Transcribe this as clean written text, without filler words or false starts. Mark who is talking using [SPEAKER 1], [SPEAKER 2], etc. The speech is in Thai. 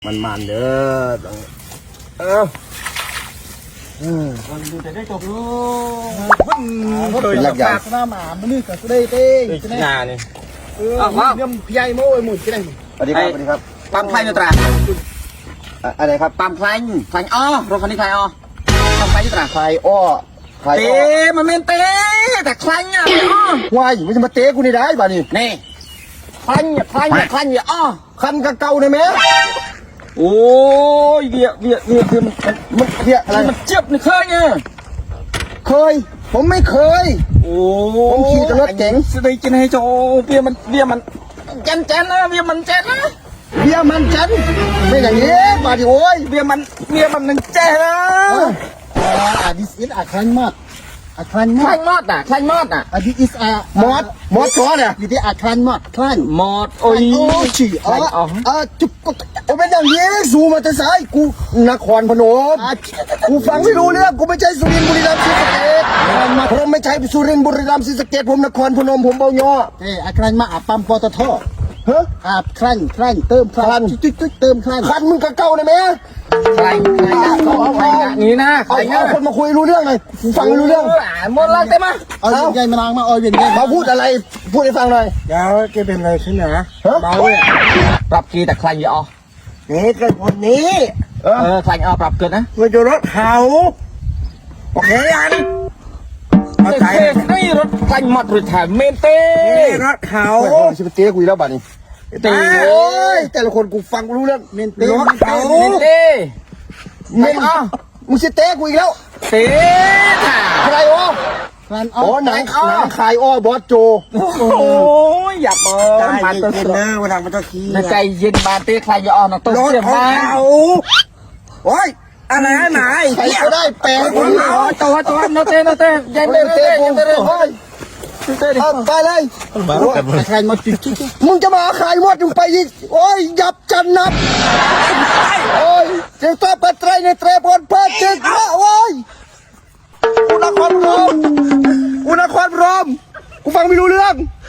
[SPEAKER 1] มันเด้อ
[SPEAKER 2] วันดูแต่ได้จบลูก
[SPEAKER 1] เป็นลักใหญ่
[SPEAKER 2] หน้าหมามันนี่กับกูได้เต้
[SPEAKER 1] งานนี่
[SPEAKER 2] เรื่องพี่ใหญ่โม่หมุนกี่ได้
[SPEAKER 1] สวัสดีครับสวัสดีครับ
[SPEAKER 3] ปั๊มไฟตรา
[SPEAKER 1] อะไรครับ
[SPEAKER 3] ปั๊มไฟอ้อรถคันนี้ไฟอ้อปั๊มไฟตรา
[SPEAKER 1] ไฟอ้อไฟ
[SPEAKER 3] เต้มันเป็นเต้แต่คลังอ่ะ
[SPEAKER 1] วายมันจะมาเตะกูนี่ได้บ้านี่
[SPEAKER 3] นี่คลังอย่าอ้อ
[SPEAKER 1] คันกะเก่าเลยไหม
[SPEAKER 3] โอ้ยเบีย
[SPEAKER 1] มันอะไร
[SPEAKER 3] มันเจ็บในเคยไง
[SPEAKER 1] เคยผมไม่เคย
[SPEAKER 3] โอ้
[SPEAKER 1] ผมขี่แต่รถเก๋ง
[SPEAKER 3] สได้กินให้โจเบียมันเจนนะเบียมันเจนนะ
[SPEAKER 1] เบียมันจันไม่อย่างนี้มาดิโอ้ย
[SPEAKER 3] เบียมันนึงเจนนะ
[SPEAKER 2] this is a clan mod
[SPEAKER 3] คลังมอดอ่ะ
[SPEAKER 2] this is a
[SPEAKER 1] มอดชัวเนี่ย
[SPEAKER 2] this is a clan mod clan
[SPEAKER 3] มอดโอ้ย
[SPEAKER 1] ฉี่จุกโอ้เป็นอย่างนี้สูมาแต่สายกูนครพนมกูฟังไม่รู้เรื่องกูไม่ใช่สุรินทร์บุรีรัมย์ศรีสะเกษผมไม่ใช่สุรินทร์บุรีรัมย์ศรีสะเกษผมนครพนมผมเบาย่อ
[SPEAKER 2] a clan มาปั๊มปตท
[SPEAKER 1] ฮะ
[SPEAKER 2] คลันเติมคลันจุดเติมคลัน
[SPEAKER 1] คันมึงกะเก่าเลยไหม
[SPEAKER 3] ใครนี่นะ
[SPEAKER 1] เอาคนมาคุยรู้เรื่องเลยฟังไม่รู้เรื่อง
[SPEAKER 3] หมดแล้วเต็มมา
[SPEAKER 2] เอาใหญ่มานางมาเอาเวียนใหญ่
[SPEAKER 1] มาพูดอะไรพูดให้ฟังหน่อย
[SPEAKER 2] เดี๋ยวแกเป็นอะไรขึ้นนะเบาเลย
[SPEAKER 3] ปรับกีแต่คลังอย่าอ้อ
[SPEAKER 1] นี่เกิดคนนี้
[SPEAKER 3] คลังอ้อปรับเกินนะ
[SPEAKER 1] มันจะรถเขาโอเคอัน
[SPEAKER 3] เอาใจนี่รถคลังหมดหรือแถมเมนเต้
[SPEAKER 1] รถเขาชิบเต้กูแล้วบ้านี้
[SPEAKER 3] เต้
[SPEAKER 1] โอ้ยแต่ละคนกูฟังรู้เรื่อง
[SPEAKER 2] เมนเต้
[SPEAKER 1] รถเขา
[SPEAKER 3] เมนเต้
[SPEAKER 1] เมนมึงชิเต้กูอีกแล้ว
[SPEAKER 3] เต้
[SPEAKER 1] ใครวะอ๋อหนังขายอ้อบอสโจ
[SPEAKER 3] โอ้ยอย่าเปิด
[SPEAKER 1] มาตัวเนอร์มาทำมาตัวขี้
[SPEAKER 3] ใจเย็นมาเต้ใครอย่าอ้อนะตัวเสียมา
[SPEAKER 1] โอ้ยอะไรไหนใครก็ได้แปลงคน
[SPEAKER 3] ตัวโนเต้ยังเต้
[SPEAKER 1] ไปเลย
[SPEAKER 2] ใครมาจุด
[SPEAKER 1] มึงจะมาขายหมดมึงไปอีกโอ้ยยับจันนับโอ้ยเจ้าตัวปัตไตรในเตรพลเพิดเจ้าโอ้ยกูนครพนมกูฟังไม่รู้เรื่อง